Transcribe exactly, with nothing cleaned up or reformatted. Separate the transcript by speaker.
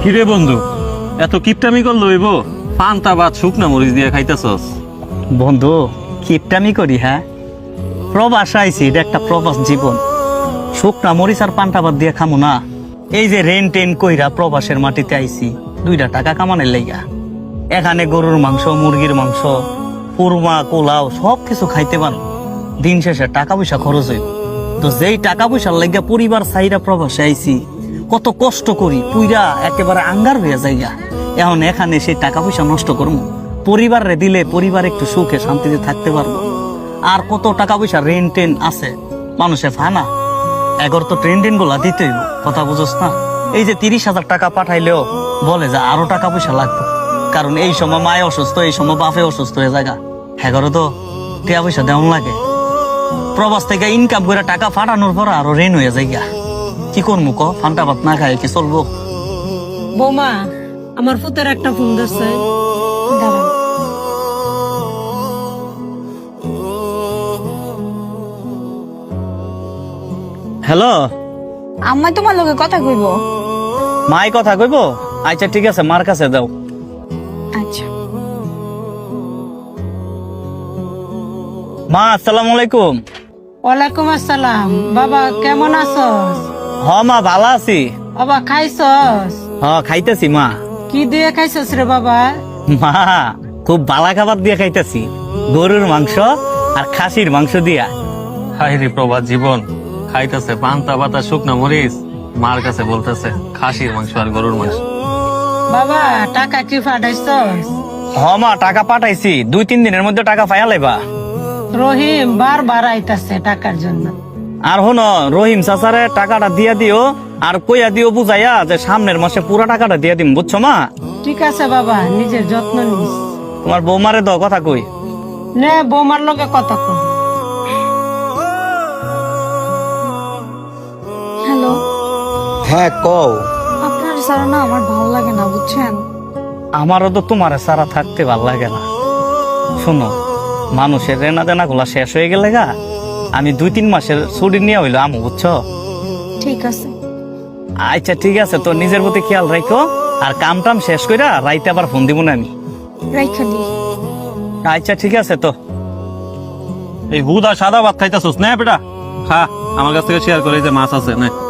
Speaker 1: কিরে বন্ধু, এত কিপটামি করলো হইব? পান্তা ভাত শুকনা মরিচ দিয়ে খাইতেছস?
Speaker 2: বন্ধু কিপটামি করি? হ্যাঁ, প্রবাস আইছি, এটা একটা প্রবাস জীবন। শুকনা মরিচ আর পান্তা ভাত দিয়ে খামো না? এই যে রেন টেন কইরা প্রবাসের মাটিতে আইছি দুইটা টাকা কামানের লাইগা। এখানে গরুর মাংস, মুরগির মাংস, কুরমা, পোলাও সব কিছু খাইতে পারো। দিন শেষে টাকা পয়সা খরচ হইব। তো যেই টাকা পয়সার লাইগা পরিবার চাইরা প্রবাসে আইছি, কত কষ্ট করি, পুইরা একেবারে আঙ্গার হইয়া যাইগা। এখন এখানে সেই টাকা পয়সা নষ্ট করবো? পরিবারে দিলে পরিবার একটু সুখে শান্তিতে থাকতে পারবো। আর কত টাকা পয়সা রেন টেন আছে মানুষে ফানা, এগর তো ট্রেন টেন গুলা দিতে হইব। কথা বুঝোস না? এই যে তিরিশ হাজার টাকা পাঠাইলেও বলে যে আরো টাকা পয়সা লাগবে, কারণ এই সময় মায়ে অসুস্থ, এই সময় বাপে অসুস্থ হয়ে জায়গা। এগারো তো টাকা পয়সা দেওয়ান লাগে। প্রবাস থেকে ইনকাম করে টাকা ফাটানোর পর আরো রেন হয়ে যাইগা। কি করবো ক? ফান্টা ভাত না খাই কি চলবো?
Speaker 3: বৌমা, আমার ফুতের একটা ফোন দিচ্ছে, দাঁড়ান।
Speaker 2: হ্যালো,
Speaker 4: আম্মা তোমার লগে কথা কইব।
Speaker 2: মাই কথা কইব? আচ্ছা ঠিক আছে, মার কাছে দাও।
Speaker 4: আচ্ছা।
Speaker 2: মা আসসালামু আলাইকুম।
Speaker 3: ওয়ালাইকুম আসসালাম। বাবা কেমন আছস?
Speaker 2: হ মা, ভালো আছি।
Speaker 3: বাবা খাইছস?
Speaker 2: হ খাইতেছি মা।
Speaker 3: কি দিয়ে খাইছস রে বাবা?
Speaker 2: মা খুব বালা খাবার দিয়ে খাইতেছি, গরুর মাংস আর খাসির মাংস দিয়া।
Speaker 1: হাই রে প্রবাস জীবন, খাইতেছে পান্তা ভাত আর শুকনা মরিচ, মার কাছে বলতেছে খাসির মাংস আর গরুর মাংস।
Speaker 3: বাবা টাকা কি পাঠাইছস?
Speaker 2: হ মা, টাকা পাঠাইছি, দুই তিন দিনের মধ্যে টাকা পাইয়া লাইবা।
Speaker 3: রহিম বারবার আইতাছে টাকার জন্য।
Speaker 2: আর হনো, রহিম চাচারে টাকাটা দিয়া দিও, আর কইয়া দিও বুঝাইয়া যে সামনের মাসে পুরা টাকাটা দিয়া দিম, বুঝছো মা?
Speaker 3: ঠিক আছে বাবা, নিজের যত্ন নিস।
Speaker 2: তোমার বৌমারে দাও কথা কই।
Speaker 3: নে বৌমার লগে কথা কর।
Speaker 4: হ্যালো,
Speaker 5: হ্যাঁ কও।
Speaker 4: আপনার সারা না আমার ভালো লাগে না, বুঝছেন?
Speaker 2: আমারও তো তোমার সারা থাকতে ভাল লাগে না। শোনো, মানুষের রেনা দেনা গুলা শেষ হয়ে গেলে গা, আমি দুই তিন মাসের ছুটি নিয়ে হইলো আমু, বুঝছো?
Speaker 4: ঠিক আছে।
Speaker 2: আচ্ছা ঠিক আছে, তো নিজের প্রতি খেয়াল রাখো, আর কাম টাম শেষ কইরা রাইতে আবার ফোন দিব না আমি।
Speaker 4: রাইখা দি।
Speaker 2: আচ্ছা ঠিক আছে। তো
Speaker 1: এই হুদা সাদা ভাত খাইতেছস না বেটা? খা, আমার কাছ থেকে শেয়ার করে, এই যে মাছ আছে না।